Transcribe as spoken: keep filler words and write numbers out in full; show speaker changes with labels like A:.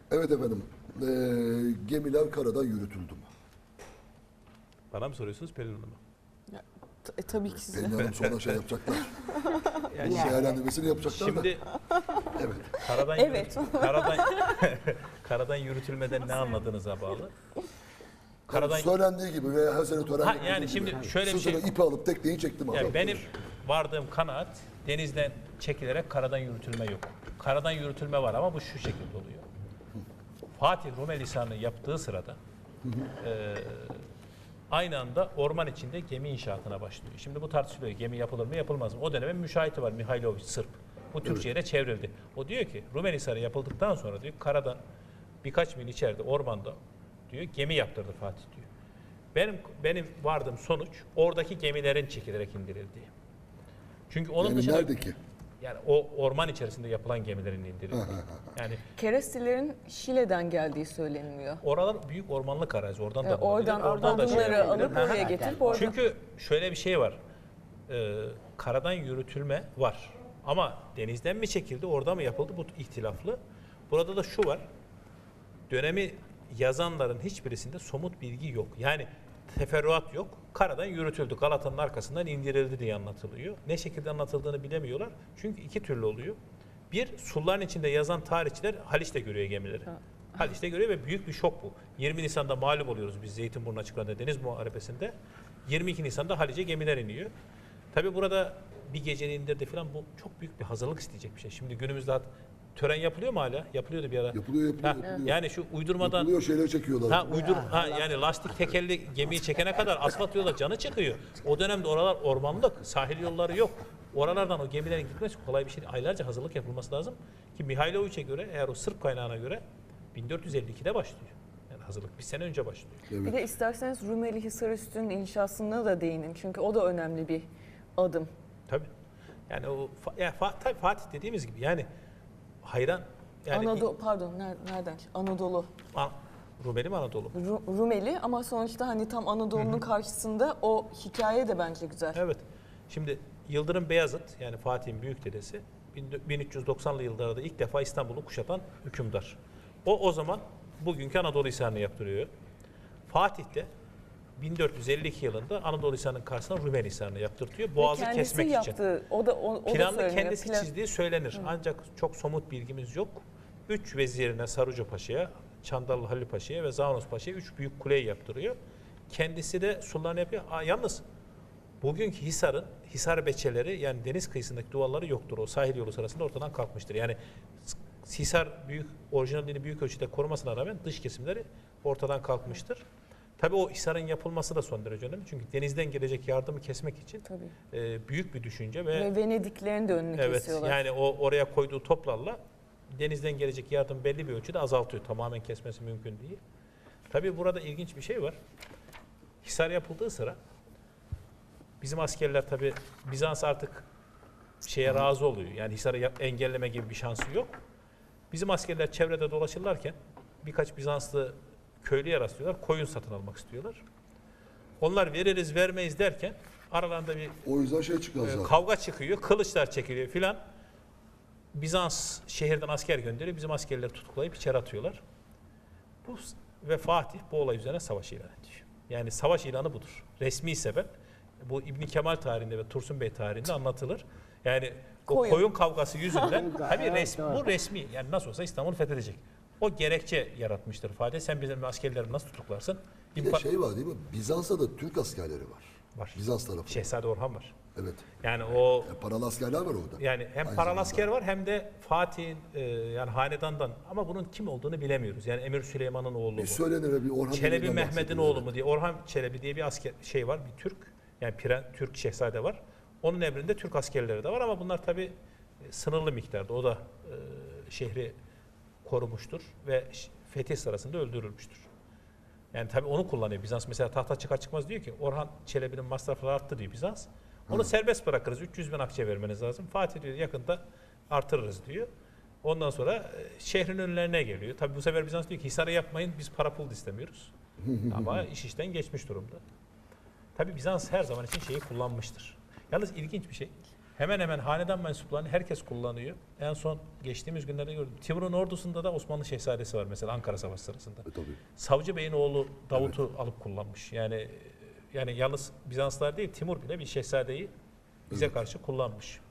A: Evet efendim. Ee, gemiler karadan yürütüldü mü?
B: Bana mı soruyorsunuz Pelin Hanım'a?
C: Ya, t- e, tabii ki size.
A: Pelin Hanım sonra şey yapacaklar.
B: Yani
A: Bunun değerlendirmesini yapacaklar da.
B: şimdi
A: Evet.
B: karadan
C: Evet.
B: yürüt- karadan karadan yürütülmeden ne anladığınıza bağlı. Karadan
A: Söylendiği gibi ve her sene tören
B: Ha,
A: yapıldığı
B: yani
A: gibi.
B: şimdi şöyle bir şey.
A: Sırtına ipi alıp tekneyi çektim.
B: Yani
A: adam.
B: benim vardığım kanaat denizden çekilerek karadan yürütülme yok. Karadan yürütülme var ama bu şu şekilde oluyor. Fatih Rumeli Hisarı'nı yaptığı sırada e, aynı anda orman içinde gemi inşaatına başlıyor. Şimdi bu tartışılıyor. Gemi yapılır mı yapılmaz mı? O dönemin müşahiti var Mihailovic Sırp. Bu Türkçe'ye de çevrildi. O diyor ki Rumeli Hisarı yapıldıktan sonra diyor karadan birkaç mil içeride ormanda diyor gemi yaptırdı Fatih diyor. Benim benim vardığım sonuç oradaki gemilerin çekilerek indirildiği. Çünkü onun
A: Yani
B: dışında
A: neredeki?
B: yani o orman içerisinde yapılan gemilerin indirildiği. Yani
C: Kerestilerin Şile'den geldiği söyleniliyor.
B: oralar büyük ormanlık arazi. Oradan
C: E,
B: da
C: oradan
B: bulabilir, oradan da şey
C: odunları
B: yapabilir.
C: alıp
B: Hı hı.
C: oraya getirip orada.
B: Çünkü şöyle bir şey var. Ee, karadan yürütülme var. Ama denizden mi çekildi, orada mı yapıldı bu ihtilaflı. Burada da şu var. Dönemi yazanların hiçbirisinde somut bilgi yok. Yani teferruat yok. Karadan yürütüldü. Galata'nın arkasından indirildi diye anlatılıyor. Ne şekilde anlatıldığını bilemiyorlar. Çünkü iki türlü oluyor. Bir, suların içinde yazan tarihçiler Haliç'te görüyor gemileri. Haliç'te görüyor ve büyük bir şok bu. yirmi Nisan'da mağlup oluyoruz biz Zeytinburnu açıklarında Deniz Muharebesi'nde. yirmi iki Nisan'da Haliç'e gemiler iniyor. Tabii burada bir gecede indirdi falan bu çok büyük bir hazırlık isteyecek bir şey. Şimdi günümüzde hat- tören yapılıyor mu hala? Yapılıyordu bir ara.
A: Yapılıyor, yapılıyor,
B: Ha,
A: yapılıyor.
B: Yani şu uydurmadan
A: Yapılıyor, şeyleri çekiyorlar.
B: Ha uydur ha yani lastik tekerli gemiyi çekene kadar asfalt yolda canı çıkıyor. O dönemde oralar ormanlık, sahil yolları yok. Oralardan o gemilerin gitmesi kolay bir şey değil. Aylarca hazırlık yapılması lazım ki Mihailovic'e göre eğer o Sırp kaynağına göre bin dört yüz elli ikide başlıyor. Yani hazırlık bir sene önce başlıyor.
C: Bir de isterseniz Rumeli Hisarüstü'nün inşasına da değinin. Çünkü o da önemli bir adım.
B: Tabii. Yani o Fa- ya Fa- tabii Fatih dediğimiz gibi yani hayran yani
C: Anadolu, pardon ner- nereden? Anadolu.
B: An- Rumeli mi Anadolu?
C: Ru- Rumeli ama sonuçta hani tam Anadolu'nun karşısında o hikaye de bence güzel.
B: Evet. Şimdi Yıldırım Beyazıt yani Fatih'in büyük dedesi bin üç yüz doksanlı yıllarda ilk defa İstanbul'u kuşatan hükümdar. O o zaman bugünkü Anadolu Hisarı'nı yaptırıyor. Fatih de bin dört yüz elli iki yılında Anadolu Hisarı'nın karşısına Rumeli Hisarı'nı yaptırtıyor. Boğazı
C: kendisi
B: kesmek
C: yaptı.
B: için.
C: O da o, o da
B: Planlı
C: söyleniyor.
B: kendisi
C: Plan-
B: çizdiği söylenir. Ancak çok somut bilgimiz yok. Üç vezirine Sarucu Paşa'ya, Çandarlı Halil Paşa'ya ve Zavanos Paşa'ya üç büyük kuleyi yaptırıyor. Kendisi de sultanı yapıyor. Aa, yalnız bugünkü Hisar'ın, Hisar beçeleri yani deniz kıyısındaki duvarları yoktur. O sahil yolu sırasında ortadan kalkmıştır. Yani Hisar büyük, orijinalliğini büyük ölçüde korumasına rağmen dış kesimleri ortadan kalkmıştır. Tabii o Hisar'ın yapılması da son derece önemli. Çünkü denizden gelecek yardımı kesmek için
C: Tabii.
B: e, büyük bir düşünce ve,
C: Ve Venediklerin de önünü
B: evet
C: kesiyorlar.
B: yani o oraya koyduğu toplarla denizden gelecek yardım belli bir ölçüde azaltıyor. Tamamen kesmesi mümkün değil. Tabii burada ilginç bir şey var. Hisar yapıldığı sıra bizim askerler tabii Bizans artık şeye razı oluyor. Yani Hisar'ı yap- engelleme gibi bir şansı yok. Bizim askerler çevrede dolaşırlarken birkaç Bizanslı köylüye rastlıyorlar. Koyun satın almak istiyorlar. Onlar veririz vermeyiz derken aralarında bir
A: O yüzden şey çıkıyor
B: e,
A: zaten.
B: kavga çıkıyor. Kılıçlar çekiliyor filan. Bizans şehirden asker gönderiyor. Bizim askerleri tutuklayıp içeri atıyorlar. Bu ve Fatih bu olay üzerine savaş ilan ediyor. Yani savaş ilanı budur. Resmi sebep. Bu İbn Kemal tarihinde ve Tursun Bey tarihinde anlatılır. Yani o
C: Koyun.
B: koyun, kavgası yüzünden tabii
D: Evet,
B: resmi,
D: doğru.
B: bu resmi yani nasıl olsa İstanbul'u fethedecek. O gerekçe yaratmıştır Fatih. Sen bizim askerlerimi nasıl tutuklarsın?
A: Bir de
B: İmpa-
A: şey var değil mi? Bizans'ta da Türk askerleri var.
B: Var.
A: Bizans tarafı.
B: Şehzade Orhan var.
A: Evet.
B: Yani o
A: Yani paralı askerler var orada.
B: yani hem
A: Aynı
B: paralı
A: zamanda.
B: asker var hem de Fatih'in e, yani hanedandan ama bunun kim olduğunu bilemiyoruz. Yani Emir Süleyman'ın oğlu mu?
A: Bir söylenir ve bir Orhan
B: Çelebi
A: Bey'den
B: Mehmet'in
A: bahsedilir,
B: oğlu
A: evet.
B: mu diye. Orhan Çelebi diye bir asker şey var, bir Türk. Yani Piren, Türk şehzade var. Onun emrinde Türk askerleri de var ama bunlar tabii e, sınırlı miktarda. O da e, şehri korumuştur ve ş- fetih sırasında öldürülmüştür. Yani tabii onu kullanıyor Bizans. Mesela tahta çıkar çıkmaz diyor ki Orhan Çelebi'nin masrafları arttı diyor Bizans. Onu serbest bırakırız. üç yüz bin akçe vermeniz lazım. Fatih diyor yakında artırırız diyor. Ondan sonra e, şehrin önlerine geliyor. Tabii bu sefer Bizans diyor ki Hisar'ı yapmayın biz para pul da istemiyoruz. Ama iş işten geçmiş durumda. Tabii Bizans her zaman için şeyi kullanmıştır. Yalnız ilginç bir şey. Hemen hemen hanedan mensuplarını herkes kullanıyor. En son geçtiğimiz günlerde gördüm. Timur'un ordusunda da Osmanlı Şehzadesi var mesela Ankara Savaşı sırasında.
A: E, tabii.
B: Savcı Bey'in oğlu Davut'u alıp kullanmış. Yani yani yalnız Bizanslar değil Timur bile bir şehzadeyi bize
A: Evet.
B: karşı kullanmış.